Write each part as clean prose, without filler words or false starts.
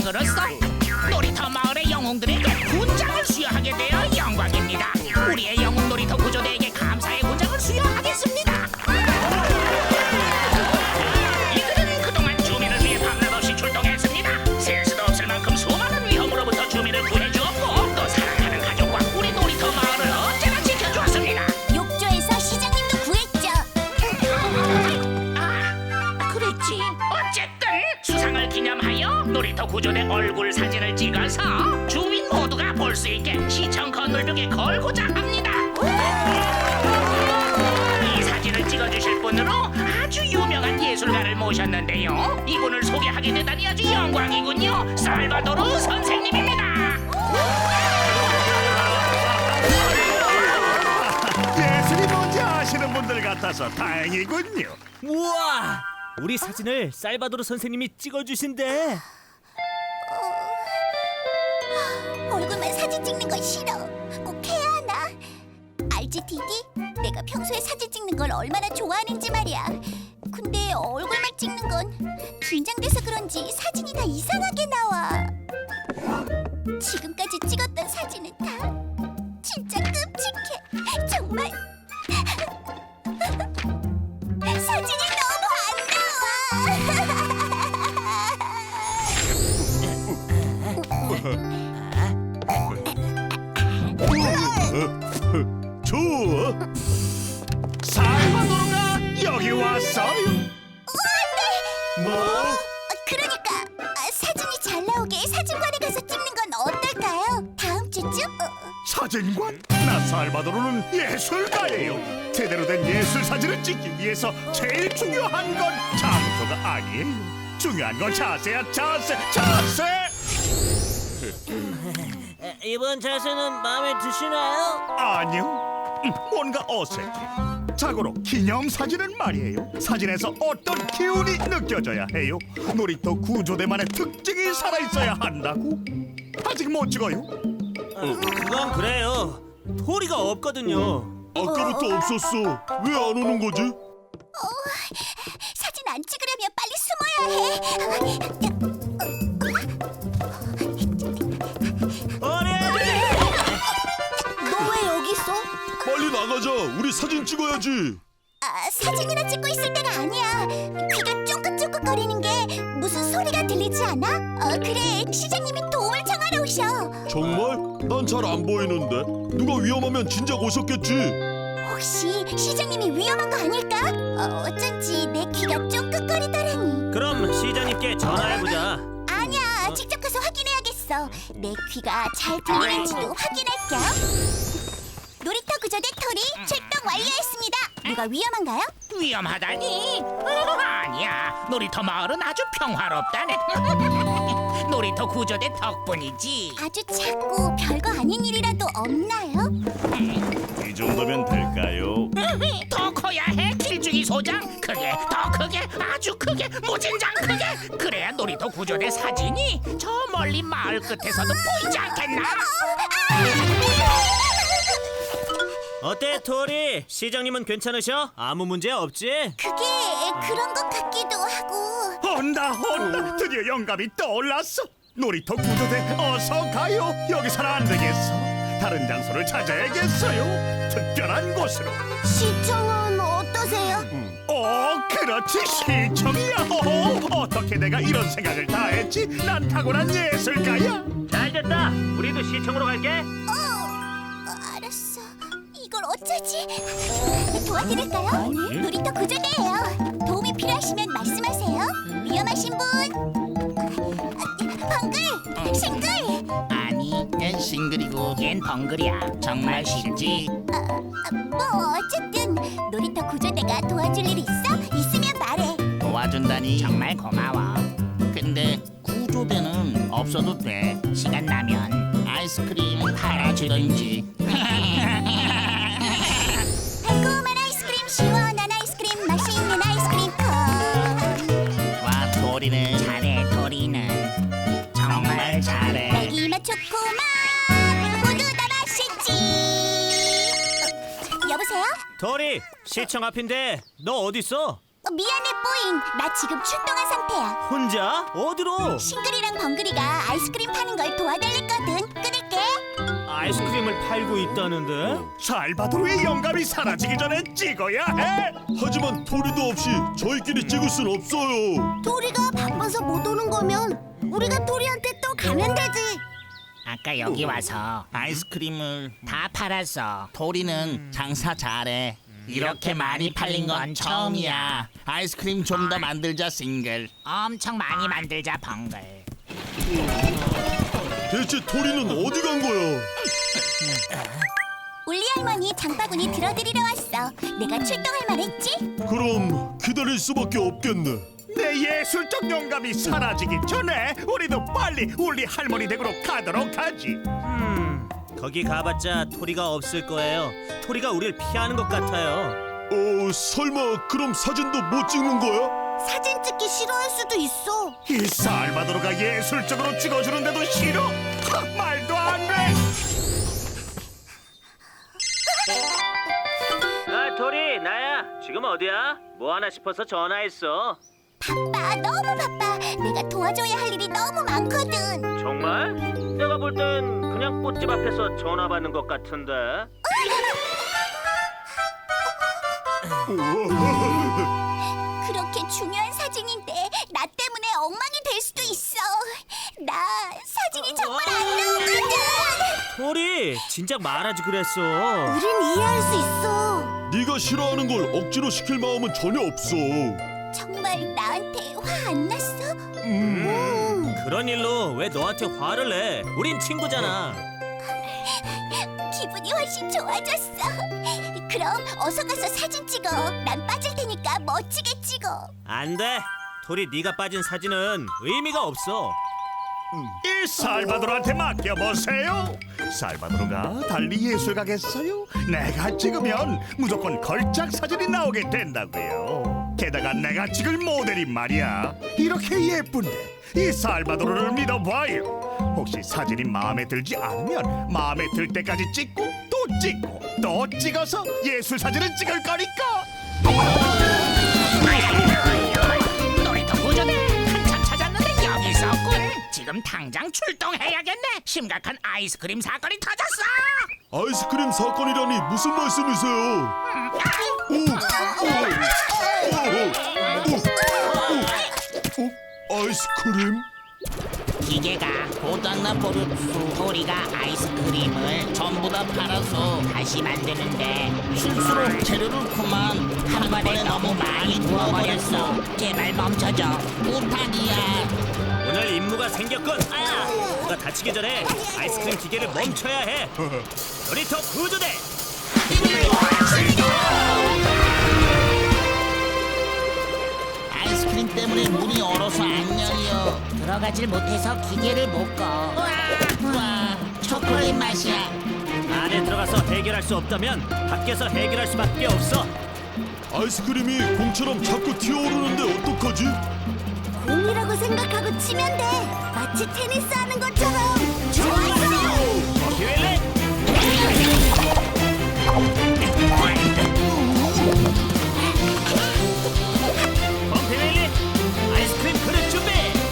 장으로서 놀이터 마을의 영웅들에게 훈장을 수여하게 되어 영광입니다. 우리의 영웅 놀이터 구조대에게 감사의 훈장을 수여하겠습니다. 이들은 그동안 주민을 위해 밤낮 없이 출동했습니다. 셀 수도 없을 만큼 수많은 위험으로부터 주민을 구해주었고 또 사랑하는 가족과 우리 놀이터 마을을 언제나 지켜주었습니다. 욕조에서 시장님도 구했죠. 그랬지. 어쨌든 수상을 기념하여 놀이터 구조대 얼굴 사진을 찍어서 주민 모두가 볼 수 있게 시청 건널벽에 걸고자 합니다. 이 사진을 찍어주실 분으로 아주 유명한 예술가를 모셨는데요. 이분을 소개하게 되다니 아주 영광이군요. 살바도르 선생님입니다. 예술이 뭔지 아시는 분들 같아서 다행이군요. 우와! 우리 사진을 살바도르 선생님이 찍어주신대. 얼굴만 사진 찍는 건 싫어. 꼭 해야 하나? 알지, 디디? 내가 평소에 사진 찍는 걸 얼마나 좋아하는지 말이야. 근데 얼굴만 찍는 건 긴장돼서 그런지 사진이 다 이상하게 나와. 지금까지 찍었던 사진은 다 진짜 끔찍해. 정말 사진이 너무 안 좋아. 살바도르가 여기 왔어요. 뭐? 그러니까 사진이 잘 나오게 사진관에 가서 찍는 건 어떨까요? 다음 주쯤? 사진관? 나 살바도르는 예술가예요. 제대로 된 예술 사진을 찍기 위해서 제일 중요한 건 장소가 아니에요. 중요한 건 자세야, 자세. 이번 자세는 마음에 드시나요? 아니요. 뭔가 어색해. 자고로 기념사진은 말이에요. 사진에서 어떤 기운이 느껴져야 해요. 놀이터 구조대만의 특징이 살아있어야 한다고. 아직 못 찍어요? 그건 그래요. 토리가 없거든요. 아까부터 없었어. 왜 안 오는 거지? 사진 안 찍으려면 빨리 숨어야 해. 토리! 너 왜 여기 있어? 빨리 나가자. 우리 사진 찍어야지. 사진이나 찍고 있을 때가 아니야. 귀가 쫑긋쫑긋거리는 게 무슨 소리가 들리지 않아? 그래, 시장님이 도움을 청하러 오셔. 정말? 난 잘 안 보이는데. 누가 위험하면 진작 오셨겠지. 혹시 시장님이 위험한 거 아닐까? 어쩐지 내 귀가 쫑긋거리더라니. 그럼 시장님께 전화해보자. 아니야, 직접 가서 확인해야겠어. 내 귀가 잘 들리는지도 확인할 겸. 놀이터 구조대 토리 출동 완료했습니다. 누가 위험한가요? 위험하다니? 아니야. 놀이터 마을은 아주 평화롭다네. 놀이터 구조대 덕분이지. 아주 작고 별거 아닌 일이라도 없나요? 이 정도면 될까요? 더 커야 해. 길쭉이 소장. 크게, 더 크게, 아주 크게, 무진장 크게. 그래야 놀이터 구조대 사진이 저 멀리 마을 끝에서도 보이지 않겠나? 어때, 토리? 시장님은 괜찮으셔? 아무 문제 없지? 그게 그런 것 같기도 하고. 온다. 드디어 영감이 떠올랐어. 놀이터 구조대 어서 가요. 여기서는 안 되겠어. 다른 장소를 찾아야겠어요. 특별한 곳으로. 시청은 어떠세요? 그렇지, 시청이야. 어떻게 내가 이런 생각을 다 했지? 난 타고난 예술가야. 잘됐다. 우리도 시청으로 갈게. 알았어. 이걸 어쩌지? 도와드릴까요? 놀이터 구조대예요. 도움이 필요하시면 말씀하세요. 위험하신 분? 벙글! 싱글! 아니, 난 싱글이고 걘 벙글이야. 정말 쉽지. 뭐 어쨌든 놀이터 구조대가 도와줄 일 있어? 있으면 말해. 도와준다니 정말 고마워. 근데 구조대는 없어도 돼. 시간 나면 아이스크림 팔아주던지. 달콤한 아이스크림, 시원한 아이스크림, 맛있는 아이스크림 콘. 와, 도리는 잘해. 도리는 정말 잘해. 딸기맛 초코맛 모두 다 맛있지. 여보세요? 토리, 시청 앞인데 너 어딨어? 미안해, 뽀잉. 나 지금 출동한 상태야. 혼자? 어디로? 싱글이랑 벙글이가 아이스크림 파는 걸 도와달랬거든. 끊을게. 아이스크림을 팔고 있다는데? 살바도르의 영감이 사라지기 전에 찍어야 해. 하지만 토리도 없이 저희끼리 찍을 순 없어요. 도리가 바빠서 못 오는 거면 우리가 도리한테 또 가면 되지. 아까 여기 와서 아이스크림을 다 팔았어. 도리는 장사 잘해. 이렇게 많이 팔린 건 처음이야. 아이스크림 좀 더 만들자, 싱글. 엄청 많이 만들자, 벙글. 대체 토리는 어디 간 거야? 울리 할머니 장바구니 들어드리러 왔어. 내가 출동할 말했지? 그럼 기다릴 수밖에 없겠네. 내 예술적 영감이 사라지기 전에 우리도 빨리 울리 할머니 댁으로 가도록 하지. 거기 가봤자 토리가 없을 거예요. 토리가 우릴 피하는 것 같아요. 설마 그럼 사진도 못 찍는 거야? 사진 찍기 싫어할 수도 있어. 이 살바도르가 예술적으로 찍어주는데도 싫어? 말도 안 돼. 아, 토리, 나야. 지금 어디야? 뭐 하나 싶어서 전화했어. 바빠, 너무 바빠. 내가 도와줘야 할 일이 너무 많거든. 정말? 내가 볼 땐 그냥 꽃집 앞에서 전화 받는 것 같은데. 그렇게 중요한 사진인데 나 때문에 엉망이 될 수도 있어. 나 사진이 정말 안 나오거든. 토리, 진작 말하지 그랬어. 우린 이해할 수 있어. 네가 싫어하는 걸 억지로 시킬 마음은 전혀 없어. 정말 나한테 화 안 났어? 그런 일로 왜 너한테 화를 내? 우린 친구잖아. 기분이 훨씬 좋아졌어. 그럼 어서 가서 사진 찍어. 난 빠질 테니까 멋지게 찍어. 안 돼. 토리, 네가 빠진 사진은 의미가 없어. 이 살바도르한테 맡겨보세요. 살바도르가 달리 예술가겠어요? 내가 찍으면 무조건 걸작 사진이 나오게 된다고요. 게다가 내가 찍을 모델이 말이야, 이렇게 예쁜데 이 살바도르를 믿어봐요. 혹시 사진이 마음에 들지 않으면 마음에 들 때까지 찍고 또 찍고 또 찍어서 예술 사진을 찍을 거니까. 놀이터 구조대 한참 찾았는데 여기 있었군. 지금 당장 출동해야겠네. 심각한 아이스크림 사건이 터졌어. 아이스크림 사건이라니 무슨 말씀이세요? 아이스크림? 기계가 고장난 버릇수 토리가 아이스크림을 전부 다 팔아서 다시 만드는데 실수로 재료를 그만 한 번에 너무 많이 부어버렸어. 제발 멈춰줘. 부탁이야. 오늘 임무가 생겼군. 누가 다치기 전에 아이스크림 기계를 멈춰야 해. 놀이터 구조대. 아이스크림 때문에 문이 얼어서 안 열려. 들어가질 못해서 기계를 못 꺼. 와, 초콜릿 맛이야. 안에 들어가서 해결할 수 없다면 밖에서 해결할 수밖에 없어. 아이스크림이 공처럼 자꾸 튀어오르는데 어떡하지? 공이라고 생각하고 치면 돼. 마치 테니스 하는 것처럼. 좋았어. 기회래. 펌피밀리, 아이스크림 그릇 준비.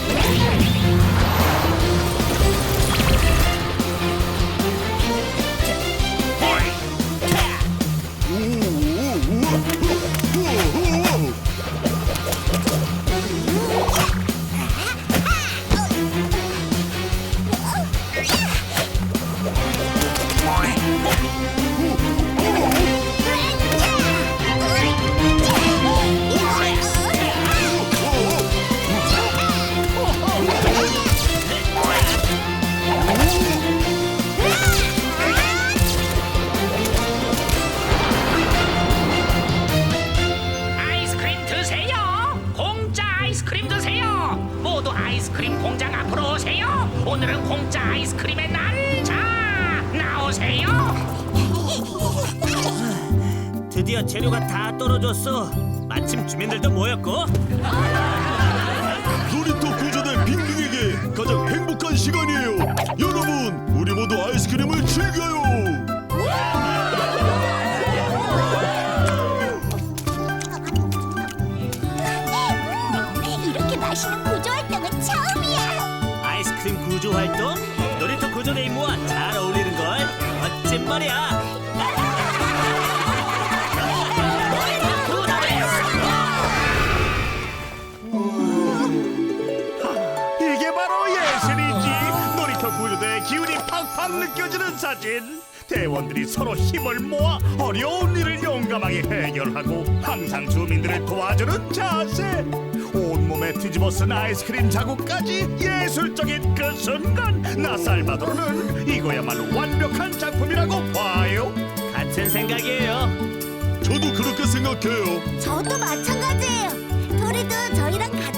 아이스크림 드세요. 공짜 아이스크림 드세요. 모두 아이스크림 공장 앞으로 오세요. 오늘은 공짜 아이스크림의 날. 자, 나오세요. 드디어 재료가 다 떨어졌어. 마침 주민들도 모였고. 놀이터 구조대 빙빙에게 가장 행복한 시간이에요. 여러분, 우리 모두 아이스크림을 즐겨요. 활동 놀이터 구조대 임무와 잘 어울리는 걸. 멋진 말이야. 이게 바로 예술이지. 놀이터 구조대의 기운이 팍팍 느껴지는 사진. 대원들이 서로 힘을 모아 어려운 일을 용감하게 해결하고 항상 주민들을 도와주는 자세. 온몸에 뒤집어 쓴 아이스크림 자국까지 예술적인 그 순간. 나 살바도르는 이거야말로 완벽한 작품이라고 봐요. 같은 생각이에요. 저도 그렇게 생각해요. 저도 마찬가지예요. 도리도 저희랑